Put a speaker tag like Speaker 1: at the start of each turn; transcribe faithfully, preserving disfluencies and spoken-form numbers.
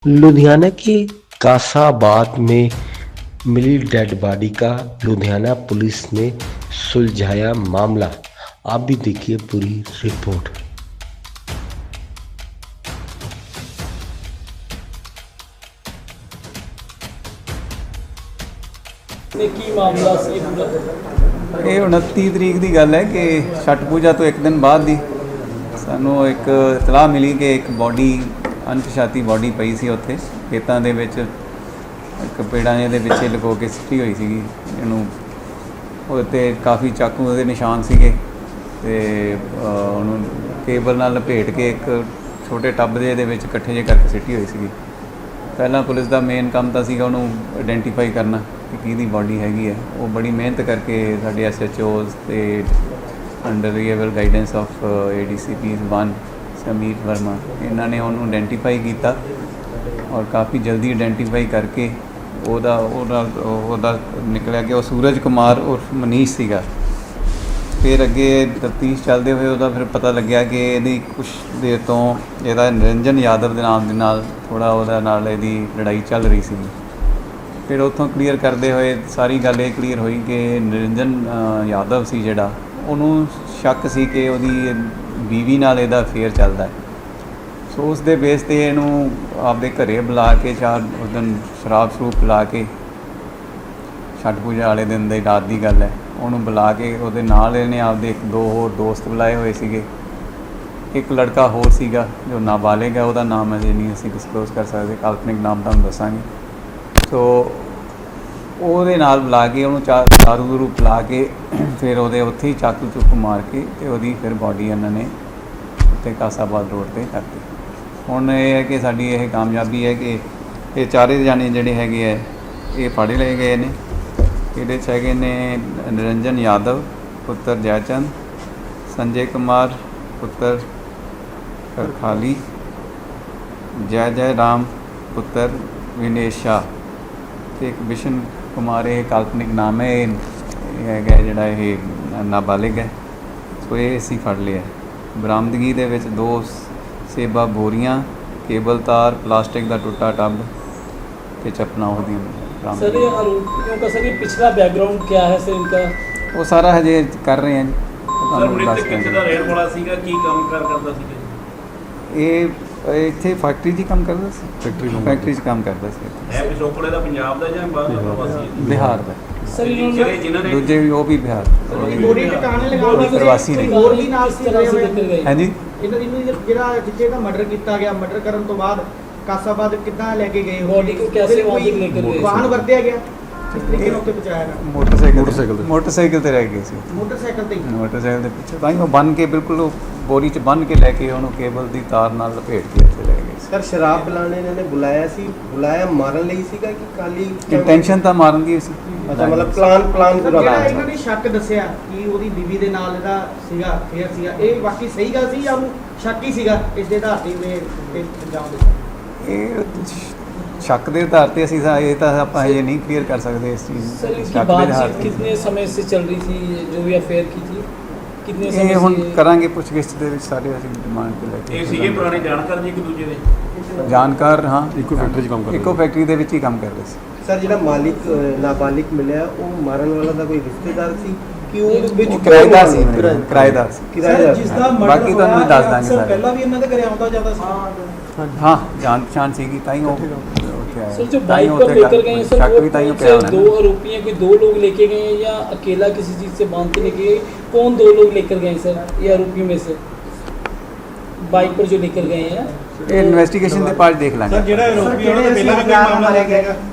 Speaker 1: लुधियाना के कासाबाद में मिली dead body का लुधियाना पुलिस ने सुलझाया मामला। आप भी देखिए पूरी रिपोर्ट।
Speaker 2: ਕੀ ਮਾਮਲਾ ਸੀ ਪੂਰਾ?
Speaker 3: ਇਹ ਉਨੱਤੀ ਤਰੀਕ ਦੀ ਗੱਲ ਹੈ ਕਿ ਛਠ ਪੂਜਾ ਤੋਂ ਇੱਕ ਦਿਨ ਬਾਅਦ ਦੀ ਸਾਨੂੰ ਇੱਕ ਇਤਲਾਹ ਮਿਲੀ ਕਿ ਇੱਕ ਬੋਡੀ ਅਣਪਛਾਤੀ ਬੋਡੀ ਪਈ ਸੀ ਉੱਥੇ ਖੇਤਾਂ ਦੇ ਵਿੱਚ, ਇੱਕ ਪੇੜਾਂ ਦੇ ਵਿੱਚ ਲੁਕੋ ਕੇ ਸਿੱਟੀ ਹੋਈ ਸੀਗੀ। ਇਹਨੂੰ ਉਹਦੇ 'ਤੇ ਕਾਫੀ ਚਾਕੂ ਉਹਦੇ ਨਿਸ਼ਾਨ ਸੀਗੇ ਅਤੇ ਉਹਨੂੰ ਕੇਬਲ ਨਾਲ ਲਪੇਟ ਕੇ ਇੱਕ ਛੋਟੇ ਟੱਬ ਦੇ ਦੇ ਵਿੱਚ ਇਕੱਠੇ ਜਿਹੇ ਕਰਕੇ ਸਿੱਟੀ ਹੋਈ ਸੀਗੀ। ਪਹਿਲਾਂ ਪੁਲਿਸ ਦਾ ਮੇਨ ਕੰਮ ਤਾਂ ਸੀਗਾ ਉਹਨੂੰ ਆਇਡੈਂਟੀਫਾਈ ਕਰਨਾ ਕਿ ਕਿਹਦੀ ਬੋਡੀ ਹੈਗੀ ਹੈ। ਉਹ ਬੜੀ ਮਿਹਨਤ ਕਰਕੇ ਸਾਡੇ ਐਸ ਐਚ ਓਜ਼ ਅਤੇ under able guidance of A D C P one Samir Verma, ਇਹਨਾਂ ਨੇ ਉਹਨੂੰ ਆਇਡੈਂਟੀਫਾਈ ਕੀਤਾ ਔਰ ਕਾਫੀ ਜਲਦੀ ਆਇਡੈਂਟੀਫਾਈ ਕਰਕੇ ਉਹਦਾ ਉਹਦਾ ਉਹਦਾ ਨਿਕਲਿਆ ਕਿ ਉਹ ਸੂਰਜ ਕੁਮਾਰ ਉਰਫ ਮਨੀਸ਼ ਸੀਗਾ। ਫਿਰ ਅੱਗੇ ਤਫਤੀਸ਼ ਚੱਲਦੇ ਹੋਏ ਉਹਦਾ ਫਿਰ ਪਤਾ ਲੱਗਿਆ ਕਿ ਇਹਦੀ ਕੁਛ ਦੇਰ ਤੋਂ ਇਹਦਾ ਨਿਰੰਜਨ ਯਾਦਵ ਦੇ ਨਾਮ ਦੇ ਨਾਲ ਥੋੜ੍ਹਾ ਉਹਦਾ ਨਾਲ ਇਹਦੀ ਲੜਾਈ ਚੱਲ ਰਹੀ ਸੀ। ਫਿਰ ਉੱਥੋਂ ਕਲੀਅਰ ਕਰਦੇ ਹੋਏ ਸਾਰੀ ਗੱਲ ਇਹ ਕਲੀਅਰ ਹੋਈ ਕਿ ਨਿਰੰਜਨ ਯਾਦਵ ਸੀ ਜਿਹੜਾ, ਉਹਨੂੰ ਸ਼ੱਕ ਸੀ ਕਿ ਉਹਦੀ ਬੀਵੀ ਨਾਲ ਇਹਦਾ ਅਫੇਅਰ ਚੱਲਦਾ ਹੈ। ਸੋ ਉਸ ਦੇ ਬੇਸ 'ਤੇ ਇਹਨੂੰ ਆਪਦੇ ਘਰੇ ਬੁਲਾ ਕੇ ਚਾਰ ਉਸ ਦਿਨ ਸ਼ਰਾਬ ਸ਼ਰੂਬ ਪਿਲਾ ਕੇ, ਛਠ ਪੂਜਾ ਵਾਲੇ ਦਿਨ ਦੀ ਰਾਤ ਦੀ ਗੱਲ ਹੈ, ਉਹਨੂੰ ਬੁਲਾ ਕੇ ਉਹਦੇ ਨਾਲ ਇਹਨੇ ਆਪਦੇ ਇੱਕ ਦੋ ਹੋਰ ਦੋਸਤ ਬੁਲਾਏ ਹੋਏ ਸੀਗੇ। ਇੱਕ ਲੜਕਾ ਹੋਰ ਸੀਗਾ ਜੋ ਨਾਬਾਲਿਗ ਹੈ, ਉਹਦਾ ਨਾਮ ਅਜੇ ਨਹੀਂ ਅਸੀਂ ਡਿਸਕਲੋਜ਼ ਕਰ ਸਕਦੇ, ਕਾਲਪਨਿਕ ਨਾਮ ਤੁਹਾਨੂੰ ਦੱਸਾਂਗੇ। ਸੋ ਉਹਦੇ ਨਾਲ ਬੁਲਾ ਕੇ ਉਹਨੂੰ ਚਾ ਦਾਰੂ ਦੂਰੂ ਪਿਲਾ ਕੇ ਫਿਰ ਉਹਦੇ ਉੱਥੇ ਹੀ ਚਾਕੂ ਚੁੱਕ ਮਾਰ ਕੇ ਅਤੇ ਉਹਦੀ ਫਿਰ ਬੋਡੀ ਇਹਨਾਂ ਨੇ ਉੱਥੇ ਕਾਸਾਬਾਦ ਰੋਡ 'ਤੇ ਕਰਤੀ। ਹੁਣ ਇਹ ਹੈ ਕਿ ਸਾਡੀ ਇਹ ਕਾਮਯਾਬੀ ਹੈ ਕਿ ਇਹ ਚਾਰੇ ਜਾਣੇ ਜਿਹੜੇ ਹੈਗੇ ਹੈ ਇਹ ਫੜ ਲਏ ਗਏ ਨੇ। ਇਹਦੇ 'ਚ ਹੈਗੇ ਨੇ ਨਿਰੰਜਨ ਯਾਦਵ ਪੁੱਤਰ ਜੈਚੰਦ, ਸੰਜੇ ਕੁਮਾਰ ਪੁੱਤਰ ਕਰਖਾਲੀ, ਜੈ ਜੈ ਰਾਮ ਪੁੱਤਰ ਵਿਨੇਸ਼ ਸ਼ਾਹ ਅਤੇ ਇੱਕ ਬਿਸ਼ਨ ਕੁਮਾਰ, ਇਹ ਕਾਲਪਨਿਕ ਨਾਮ ਹੈ, ਇਹ ਹੈਗਾ ਜਿਹੜਾ ਇਹ ਨਾਬਾਲਿਗ ਹੈ। ਸੋ ਇਹ ਅਸੀਂ ਫੜ ਲਿਆ। ਬਰਾਮਦਗੀ ਦੇ ਵਿੱਚ ਦੋ ਸੇਬਾ ਬੋਰੀਆਂ, ਕੇਬਲ ਤਾਰ, ਪਲਾਸਟਿਕ ਦਾ ਟੁੱਟਾ ਟੱਬ ਅਤੇ ਚੱਪਲਾਂ ਉਹਦੀਆਂ ਬਰਾਮਦ।
Speaker 2: सर ये आरोपियों का सर ये पिछला बैकग्राउंड क्या है सर इनका?
Speaker 3: ਉਹ ਸਾਰਾ ਹਜੇ ਕਰ ਰਹੇ ਹਾਂ ਜੀ।
Speaker 4: ਸਰ ਮ੍ਰਿਤਕ ਕਿੱਥੇ ਦਾ ਰਹਿਣ ਵਾਲਾ ਸੀਗਾ, ਕੀ ਕੰਮ ਕਾਰ ਕਰਦਾ ਸੀਗਾ?
Speaker 3: ਇਹ ਇੱਥੇ ਫੈਕਟਰੀ 'ਚ ਹੀ ਕੰਮ ਕਰਦਾ ਸੀ। ਫੈਕਟਰੀ ਫੈਕਟਰੀ 'ਚ ਕੰਮ ਕਰਦਾ ਸੀ।
Speaker 4: ਹੈ ਪਿਛੋਕੜੇ ਦਾ ਪੰਜਾਬ ਦਾ ਜਾਂ ਬਾਹਰ ਦਾ ਪ੍ਰਵਾਸੀ?
Speaker 3: ਬਿਹਾਰ ਦਾ।
Speaker 2: सर
Speaker 4: ਜਿਹੜੇ ਜਿਨ੍ਹਾਂ ਨੇ
Speaker 3: ਦੂਜੇ ਵੀ ਉਹ ਵੀ ਬਿਹਾਰ
Speaker 5: ਬੋਡੀ ਟਿਕਾਣੇ ਲਗਾ ਕੇ
Speaker 3: ਪ੍ਰਵਾਸੀ ਨੇ।
Speaker 5: ਹੋਰ ਵੀ ਨਾਲ ਸੀ
Speaker 2: तरह से लेकर गए।
Speaker 3: ਹਾਂਜੀ,
Speaker 5: ਇਹਨਾਂ ਇਹਨੂੰ ਜਿਹੜਾ ਜਿੱਥੇ ਦਾ ਮਰਡਰ ਕੀਤਾ ਗਿਆ, ਮਰਡਰ ਕਰਨ ਤੋਂ ਬਾਅਦ ਕਾਸਾਬਾਦ ਕਿੱਦਾਂ ਲੈ ਕੇ ਗਏ?
Speaker 2: बॉडी को कैसे वहाँ तक लेकर गए?
Speaker 5: ਵਾਹਨ ਵਰਤਿਆ ਗਿਆ ਕਿਸ ਤਰੀਕੇ ਨਾਲ ਉੱਤੇ ਪਹੁੰਚਾਇਆ ਗਿਆ?
Speaker 3: ਮੋਟਰਸਾਈਕਲ ਮੋਟਰਸਾਈਕਲ ਤੇ ਮੋਟਰਸਾਈਕਲ ਤੇ ਰਹਿ ਗਏ ਸੀ।
Speaker 5: ਮੋਟਰਸਾਈਕਲ ਤੇ ਹੀ।
Speaker 3: ਮੋਟਰਸਾਈਕਲ ਦੇ ਪਿੱਛੇ ਤਾਂ ਹੀ ਉਹ ਬੰਨ੍ਹ ਕੇ ਬਿਲਕੁਲ ਉਹ ਬੋਰੀ 'ਚ ਬੰਨ੍ਹ ਕੇ ਲੈ ਕੇ ਉਹਨੂੰ ਕੇਬਲ ਦੀ ਤਾਰ ਨਾਲ ਲਪੇਟ ਕੇ ਇੱਥੇ ਲੈ ਗਏ ਸੀ।
Speaker 6: ਸਰ ਸ਼ਰਾਬ ਪਿਲਾਣੇ ਇਹਨਾਂ ਨੇ ਬੁਲਾਇਆ ਸੀ, ਬੁਲਾਇਆ ਮਾਰਨ ਲਈ ਸੀਗਾ ਕਿ ਖਾਲੀ
Speaker 3: ਇੰਟੈਂਸ਼ਨ ਤਾਂ ਮਾਰਨ ਦੀ ਸੀ।
Speaker 6: ਅੱਛਾ, ਮਤਲਬ ਪਲਾਨ ਪਲਾਨ
Speaker 5: ਸਰ,
Speaker 6: ਪੂਰਾ
Speaker 5: ਜਿਹੜਾ
Speaker 6: ਬਣਾਇਆ
Speaker 5: ਇਹਨਾਂ ਨੇ ਸ਼ੱਕ ਦੱਸਿਆ ਕਿ ਉਹਦੀ ਬੀਵੀ ਦੇ ਨਾਲ ਇਹਦਾ ਸੀਗਾ ਫੇਰ ਸੀਗਾ, ਇਹ ਬਾਕੀ ਸਹੀ ਗੱਲ ਸੀ ਜਾਂ ਉਹਨੂੰ ਸ਼ੱਕ ਹੀ ਸੀਗਾ ਇਸ ਦੇ ਆਧਾਰ ਤੇ ਇਹ ਅੰਜਾਮ ਦਿੱਤਾ?
Speaker 3: ਇਹ ਸ਼ੱਕ ਦੇ ਆਧਾਰ ਤੇ ਅਸੀਂ ਤਾਂ ਇਹ ਤਾਂ ਆਪਾਂ ਇਹ ਨਹੀਂ ਕਲੀਅਰ ਕਰ ਸਕਦੇ ਇਸ ਚੀਜ਼
Speaker 2: सर
Speaker 3: ਨੂੰ।
Speaker 2: इनकी
Speaker 3: ਸ਼ੱਕ ਦੇ ਆਧਾਰ
Speaker 2: बातचीत
Speaker 3: ਤੇ
Speaker 2: कितने समय से चल रही थी जो भी अफेयर की थी? कितने
Speaker 3: ਇਹ
Speaker 2: समय
Speaker 3: ਹੁਣ
Speaker 2: से?
Speaker 3: ਕਰਾਂਗੇ ਪੁੱਛਗਿੱਛ ਦੇ ਵਿੱਚ ਸਾਰੇ ਅਸੀਂ ਡਿਮਾਂਡ ਤੇ ਲੈ ਕੇ
Speaker 4: ਇਹ ਸੀਗੇ ਪੁਰਾਣੇ ਜਾਣਕਾਰ ਜੀ ਇੱਕ ਦੂਜੇ ਦੇ?
Speaker 3: ਜਾਣਕਾਰ, ਹਾਂ।
Speaker 7: ਇੱਕੋ ਫੈਕਟਰੀ 'ਚ ਕੰਮ ਕਰਦੇ
Speaker 3: ਇੱਕੋ ਫੈਕਟਰੀ ਦੇ ਵਿੱਚ ਹੀ ਕੰਮ ਕਰਦੇ ਸੀ।
Speaker 6: ਸਰ ਜਿਹੜਾ ਮਾਲਿਕ ਅ, ਨਾਬਾਲਿਗ ਮਿਲਿਆ ਉਹ ਮਾਰਨ ਵਾਲਾ ਦਾ ਕੋਈ ਰਿਸ਼ਤੇਦਾਰ ਸੀ ਕਿ ਉਹ ਵਿੱਚ
Speaker 3: ਉਹ ਕਿਰਾਏਦਾਰ ਸੀ,
Speaker 6: ਕਿਰਾਏ-
Speaker 3: ਕਿਰਾਏਦਾਰ ਸੀ।
Speaker 6: ਕਿਰਾਏਦਾਰ ਸੀ।
Speaker 3: ਬਾਕੀ ਤੁਹਾਨੂੰ ਵੀ ਦੱਸ ਦਾਂਗੇ ਸਾਰੇ।
Speaker 5: ਪਹਿਲਾਂ ਵੀ ਇਹਨਾਂ ਦੇ ਘਰੇ ਆਉਂਦਾ ਜਾਂਦਾ ਸੀ?
Speaker 3: ਹਾਂ, ਜਾਣ ਪਛਾਣ ਸੀਗੀ ਤਾਂ ਹੀ ਉਹ ਉੱਥੇ ਆਇਆ।
Speaker 2: सर जो
Speaker 3: ਤਾਂ ਹੀ
Speaker 2: बाइक पर
Speaker 3: ਉੱਥੇ
Speaker 2: लेकर गए हैं सर,
Speaker 3: ਸ਼ੱਕ
Speaker 2: वो
Speaker 3: ਵੀ ਤਾਂ ਹੀ
Speaker 2: कौन
Speaker 3: ਪਿਆ
Speaker 2: से
Speaker 3: ਹੋਣਾ
Speaker 2: दो
Speaker 3: ना।
Speaker 2: आरोपी हैं? कोई दो लोग लेके गए हैं या अकेला किसी चीज से बांध के लेके गए? कौन दो लोग लेकर गए हैं सर ये आरोपियों में से बाइक पर जो लेकर गए हैं?
Speaker 3: ਇਹ ਇਨਵੈਸਟੀਗੇਸ਼ਨ ਦੇ ਪਾर्ट ਦੇਖ ਲਾਂਗੇ।
Speaker 5: ਜਿਹੜਾ ਆਰੋਪੀ ਉਹਨਾਂ ਦਾ ਪਹਿਲਾਂ ਵੀ ਕੋਈ ਮਾਮਲਾ ਲੈ ਕੇ ਆਏਗਾ?